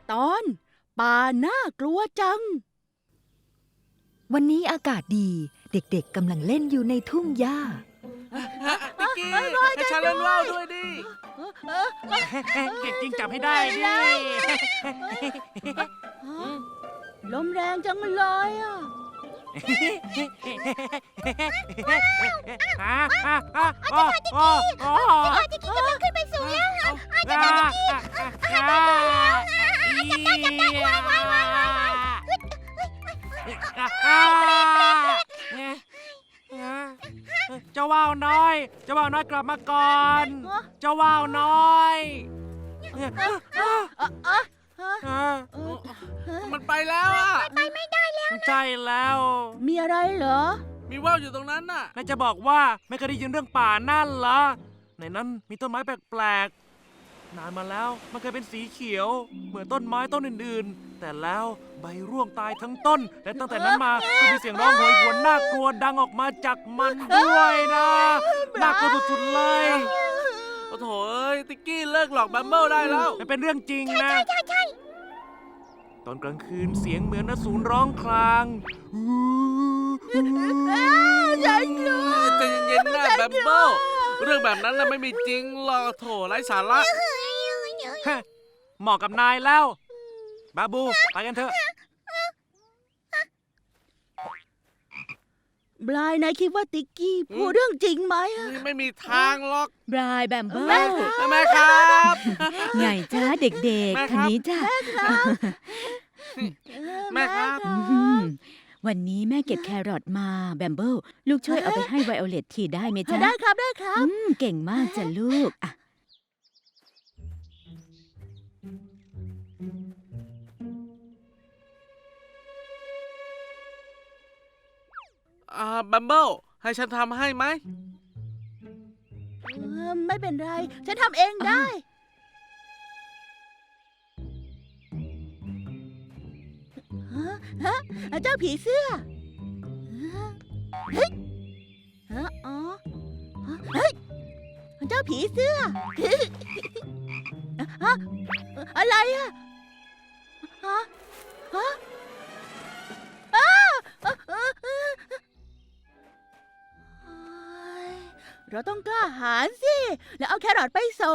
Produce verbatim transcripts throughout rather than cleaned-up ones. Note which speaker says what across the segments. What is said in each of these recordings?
Speaker 1: ตอนป่าน่ากลัวจัง
Speaker 2: วันนี้อากาศดีเด็กๆกำลังเล่นอยู่ในทุ่งหญ้า
Speaker 3: ติ๊กกี้ให้ฉันเล่นว่าวด้วยดิ
Speaker 4: เก่งจริงจับให้ได้ดิ
Speaker 1: ลมแรงจังเลยอ่ะ
Speaker 4: จิกกี้กำลังขึ้นไปสูงแล้วค่ะจิกกี้จิกกี้จับได้จับได้วายวายวายวายวาย
Speaker 3: เจ้าว่าวน้อยเจ้าว่าวน้อยกลับมาก่อนเจ้าว่าวน้อยมันไปแล้วอ่ะ
Speaker 4: ไปไม่ได้แล้ว
Speaker 3: ใช่แล้ว
Speaker 1: มีอะไรเหรอ
Speaker 3: มีว่าวอยู่ตรงนั้นน่ะน่าจะบอกว่าไม่เคยได้ยินเรื่องป่านั่นเหรอในนั้นมีต้นไม้แปลกๆนานมาแล้วมันเคยเป็นสีเขียวเหมือนต้นไม้ต้นอื่นๆแต่แล้วใบร่วงตายทั้งต้นและตั้งแต่นั้นมาก็มีเสียงร้องโหยหวนน่ากลัวดังออกมาจากมันด้วยนะน่ากลัวสุดๆเลยโอ้โถเอ้ยติ๊กกี้เลิกหลอกบัมเบิลได้แล้วมันเป็นเรื่องจริงนะ
Speaker 4: ใช่ใช่ใช่
Speaker 3: ตอนกลางคืนเสียงเหมือนนสูรร้องคราง
Speaker 1: ฉันกลัว
Speaker 3: ใจเย็นๆนะบัมเบิลเรื่องแบบนั้นน่ะไม่มีจริงหรอกโถไร้สาระเหมาะกับนายแล้วบาบูไปกันเถอะ
Speaker 1: บรายนายคิดว่าติ๊กกี้พูดเรื่องจริงไหมอะ
Speaker 3: ไม่มีทางหรอก
Speaker 2: บรายแบมเบิล
Speaker 3: แม่ครับ
Speaker 2: ไงจ้าเด็กๆคันนี้จ้า
Speaker 3: แม่ครับ
Speaker 2: วันนี้แม่เก็บแครอทมาแบมเบิลลูกช่วยเอาไปให้ไวโอเลตทีได้ไหมจ๊ะ
Speaker 1: ได้ครับได้ครับ
Speaker 2: เก่งมากจ้ะลูกอ่ะ
Speaker 3: อ่าบัมเบิลให้ฉันทำให้ไหม
Speaker 1: ไม่เป็นไรฉันทำเองได้ฮะเจ้าผีเสื้อเฮ้ยอ๋อเฮ้ยเจ้าผีเสื้ออะไรอะฮะฮะเราต้องกล้าหาญสิแล้วเอาแครอทไปส่ง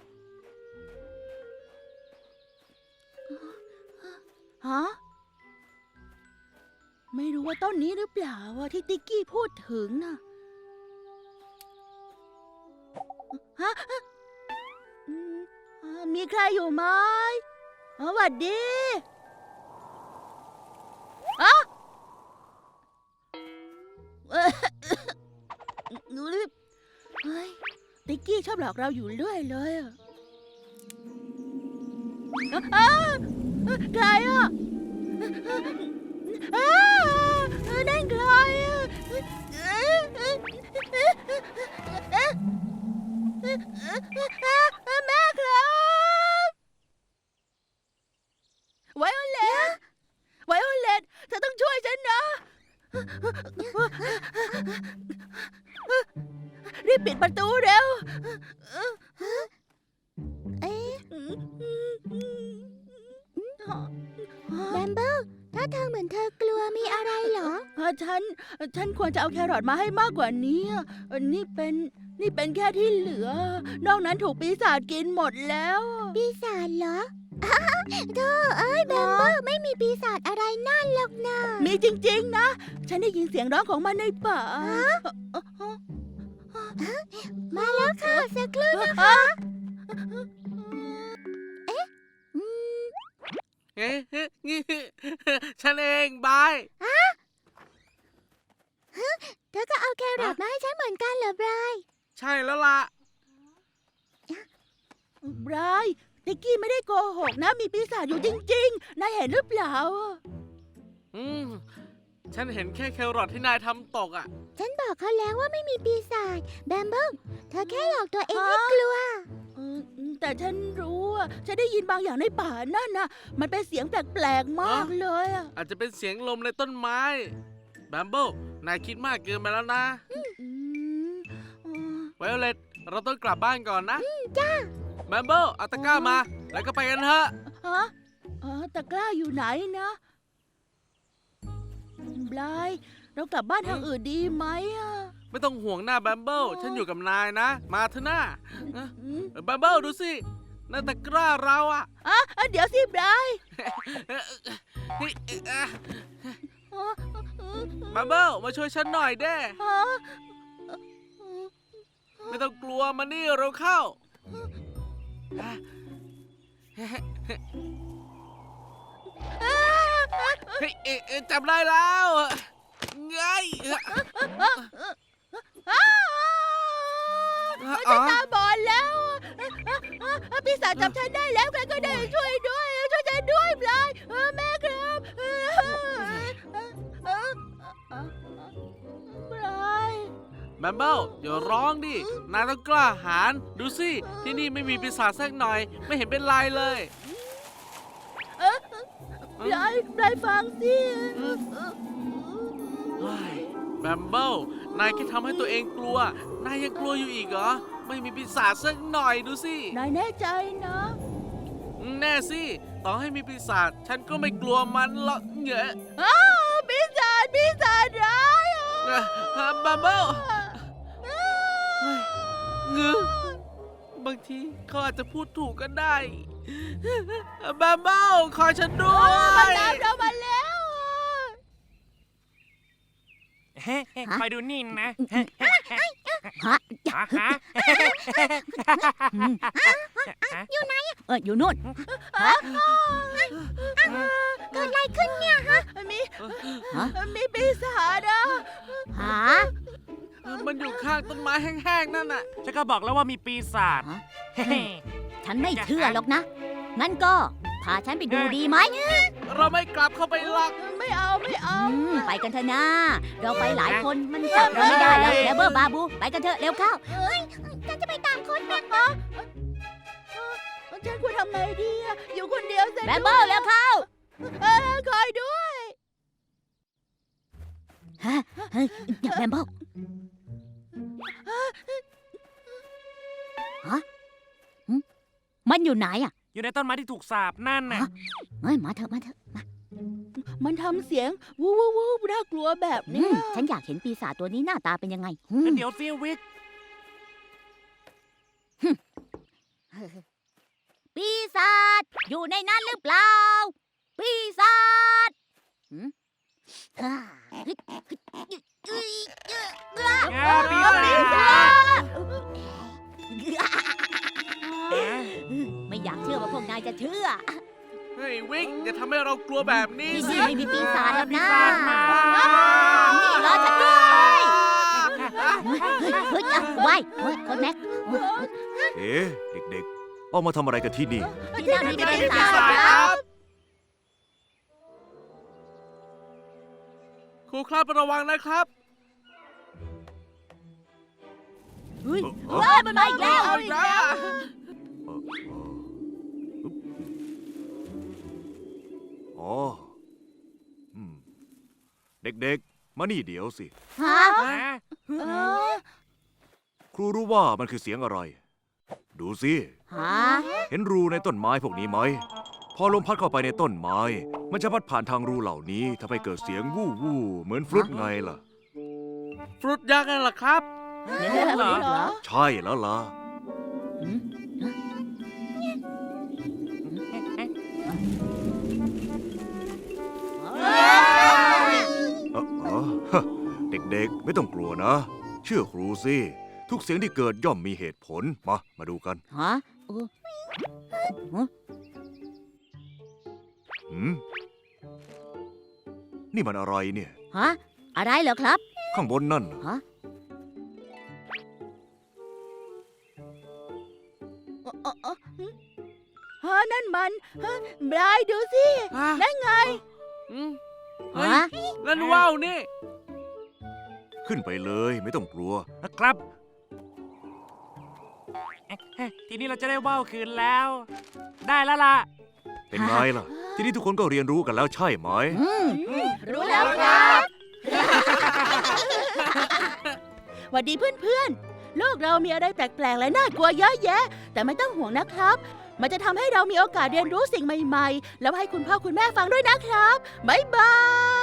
Speaker 1: ฮะไม่รู้ว่าต้นนี้หรือเปล่าที่ติ๊กกี้พูดถึงน่ะฮะมีใครอยู่ไหมสวัสดีอะเฮ้ยติ๊กกี้ชอบหลอกเราอยู่เรื่อยเลยอะใครอ่ะนั่นใครอ่ะแม่ครับไวโอเลตไวโอเลตเธอต้องช่วยฉันนะรีบปิดประตูเร็ว
Speaker 4: เอ๊ะแบมเบิลถ้าทางเหมือนเธอกลัวมีอะไรเหรอ
Speaker 1: ฉันฉันควรจะเอาแครอทมาให้มากกว่านี้นี่เป็นนี่เป็นแค่ที่เหลือนอกนั้นถูกปีศาจกินหมดแล้ว
Speaker 4: ปีศาจเหรอเธอเอ้ยแบมเบิลไม่มีปีศาจอะไรนั่นหรอกนะ
Speaker 1: มีจริงๆนะฉันได้ยินเสียงร้องของมันในป่า
Speaker 4: มาแล้วค่ะสักครู่นะคะเอ๊ะ
Speaker 3: เอ๊ะฉันเองบาย
Speaker 4: เธอก็เอาแครอทมาให้ฉันเหมือนกันเหรอบราย
Speaker 3: ใช่แล้วล่ะ
Speaker 1: บรายติ๊กกี้ไม่ได้โกหกนะมีปีศาจอยู่จริงๆนายเห็นหรือเปล่า
Speaker 3: อืมฉันเห็นแค่แครอทที่นายทำตกอ่ะ
Speaker 4: ฉันบอกเขาแล้วว่าไม่มีปีศาจแบมเบิลเธอแค่หลอกตัวเองให้กลัว
Speaker 1: แต่ฉันรู้ว่าฉันได้ยินบางอย่างในป่านั่นนะมันเป็นเสียงแปลกๆมากเลยอ่ะ
Speaker 3: อาจจะเป็นเสียงลมในต้นไม้แบมเบิลนายคิดมากเกินไปแล้วนะไวโอเลตเราต้องกลับบ้านก่อนนะ
Speaker 4: จ้า
Speaker 3: แบมเบิลเอาตะกร้ามาแล้วก็ไปกันเถอะ
Speaker 1: ฮะฮะตะกร้าอยู่ไหนนะบลายเรากลับบ้านทางอื่นดีไหมอ่ะ
Speaker 5: ไม่ต้องห่วงหน้าแบมเบิลฉันอยู่กับนายนะ มาเถอะหน้า
Speaker 1: อืม
Speaker 5: แบมเบิลดูสินั่นตะกร้าเราอะ
Speaker 1: อ่ะอ่ะเดี๋ยวสิบลาย
Speaker 5: เฮ้ยอ่ะ
Speaker 1: อ๋อ
Speaker 5: แบมเบิลมาช่วยฉันหน่อยเด้
Speaker 1: อ๋อ
Speaker 5: ไม่ต้องกลัวมานี่เราเข้าเฮ้ยเอ๊ะเอ๊ะจำได้แล้วไง
Speaker 1: อ้าวฉันตาบอดแล้วอ่ะอ่ะอ่ะพี่สาวจับฉันได้แล้วใครก็ได้ช่วยด้วยช่วยฉันด้วยบลายเออแม่ครับเออเออเออเออบลาย
Speaker 5: แบมเบิลอย่าร้องดิ นายต้องกล้าหาญดูสิ ที่นี่ไม่มีปีศาจสักหน่อย ไม่เห็นเป็นไรเลย
Speaker 1: เออปลายปลายฟังสิ
Speaker 5: เฮ้ยแบมเบิลนายแค่ทำให้ตัวเองกลัว นายยังกลัวอยู่อีกเหรอ ไม่มีปีศาจสักหน่อยดูสิ
Speaker 1: นายแน่ใจนะ
Speaker 5: แน่สิ ต่อให้มีปีศาจฉันก็ไม่กลัวมันหรอกเหงอะ
Speaker 1: อ้าวปีศาจปีศาจร้ายอ่ะ
Speaker 5: เอ่อแบมเบิลเงือบางทีเขาอาจจะพูดถูกก็ได้แบมเบิลคอยฉันด้ว
Speaker 1: มัน
Speaker 5: ย
Speaker 1: ตามเรามาแล้วอ่ะ
Speaker 3: เฮ้คอยดูนี่นะ
Speaker 2: ฮะ
Speaker 3: ฮะฮะ
Speaker 2: อืมเอออยู่นู่น
Speaker 4: เกิดอะไรขึ้นเนี่ยฮะ
Speaker 1: มี
Speaker 2: ฮะ
Speaker 1: มีปีศาจอ่ะ
Speaker 2: หา
Speaker 5: มันอยู่ข้างต้นไม้แห้งๆนั่นน่ะ
Speaker 3: ฉันก็บอกแล้วว่ามีปีศาจ
Speaker 2: ฮะ
Speaker 3: เฮ้
Speaker 2: ฉันไม่เชื่อหรอกนะ งั้นก็พาฉันไปดูดีไหม
Speaker 5: เราไม่กลับเข้าไปหรอก
Speaker 1: ไม่เอาไม่เอา
Speaker 2: อืมไปกันเถอะนะ เราไปหลายคนมันจับเราไม่ได้แล้วแล้วเบอร์บาบู ไปกันเถอะเร็วเข้า
Speaker 4: ฉันจะไปตามคนแม่
Speaker 1: ฉันควรทำไงดีอ่ะอยู่คนเดียวเสร็จ
Speaker 2: แบมเบอร์เร็วเข้า
Speaker 1: เออคอยด้วย
Speaker 2: ฮะเฮ้ยอย่าแบมเบอร์ฮะหึมันอยู่ไหนอ่ะ
Speaker 3: อยู่ในต้นไม้ที่ถูกสาบนั่นน่ะ
Speaker 2: ฮะ เฮ้ยมาเถอะมาเถอะมา
Speaker 1: มันทำเสียงวู้วู้วู้น่ากลัวแบบ
Speaker 2: อื
Speaker 1: เนี้ย
Speaker 2: มฉันอยากเห็นปีศาจตัวนี้หน้าตาเป็นยังไงอืม
Speaker 3: เดี๋ยวซิวิก
Speaker 2: ปีศาจอยู่ในนั้นหรือเปล่า ปีศาจหืมฮ่าฮึดฮึดยึดยึดยึดอ่ะ
Speaker 3: อ่าปีศาจ
Speaker 2: ไม่อยากเชื่อว่าพวกนายจะเชื่อ
Speaker 5: เฮ้ยวิกอย่าทำให้เรากลัวแบบนี้
Speaker 2: ที่
Speaker 5: สิ
Speaker 2: นี่ไม่มีปีศาจหรอก
Speaker 3: ปี
Speaker 2: นะ
Speaker 3: ศาจมา
Speaker 2: นี่รอฉันด้วยเฮ้ยเฮ้ยเฮ้ยอ่ะไว้เฮ้ยคนแม็ก
Speaker 6: เอ๊ะเด็กๆ ออกมาทำอะไรกันที่นี่
Speaker 2: ที่นั่นมีปี
Speaker 5: ปี
Speaker 2: ศาจ
Speaker 5: ศาจ
Speaker 2: ค
Speaker 5: ค
Speaker 2: รั
Speaker 5: รั
Speaker 2: บบ
Speaker 5: ครูครับระวังนะครับ
Speaker 2: เฮ้ย
Speaker 6: เอ้อ
Speaker 2: เฮ้ยมันมาอีกแล้ว
Speaker 5: เอาอีกแล้ว
Speaker 6: อ๋ออืมเด็กๆ มานี่เดี๋ยวสิ
Speaker 2: ฮะ
Speaker 3: ฮะ
Speaker 1: เออ
Speaker 6: ครูรู้ว่ามันคือเสียงอะไร ดูสิ
Speaker 2: ฮะ
Speaker 6: เห็นรูในต้นไม้พวกนี้ไหม พอลมพัดเข้าไปในต้นไม้ มันจะพัดผ่านทางรูเหล่านี้ทำให้เกิดเสียงวู้วู้เหมือนฟลุตไงล่ะ
Speaker 5: ฟรุตยักษ์นั่นแหละครับ
Speaker 3: เหรอ
Speaker 1: เหรอ
Speaker 6: ใช่แล้วล่ะ
Speaker 2: อืม
Speaker 6: เออเออฮะเด็กๆ ไม่ต้องกลัวนะ เชื่อครูสิ ทุกเสียงที่เกิดย่อมมีเหตุผล มา มาดูกัน
Speaker 2: ฮะเออ
Speaker 6: หืม นี่มันอะไรเนี่ย
Speaker 2: ฮะ อะไรเหรอครับ
Speaker 6: ข้างบนนั่นน่ะ
Speaker 2: ฮะ
Speaker 1: เออเออเออหึฮะนั่นมันฮะบลายดูสิ นั่นไง
Speaker 5: อืมเฮ้ย
Speaker 2: ฮะ
Speaker 5: นั่นว่าวนี่
Speaker 6: ขึ้นไปเลยไม่ต้องกลัว
Speaker 3: นะครับเอ๊ะทีนี้เราจะได้ว่าวคืนแล้ว ได้แล้วล่ะ
Speaker 6: เป็นไงล่ะ ทีนี้ทุกคนก็เรียนรู้กันแล้วใช่ไหม
Speaker 2: อืม
Speaker 1: รู้แล้วครับหวัสดีเพื่อนๆ โลกเรามีอะไรแปลกๆและน่ากลัวเยอะแยะ แต่ไม่ต้องห่วงนะครับมันจะทำให้เรามีโอกาสเรียนรู้สิ่งใหม่ๆ แล้วให้คุณพ่อคุณแม่ฟังด้วยนะครับ บ๊ายบาย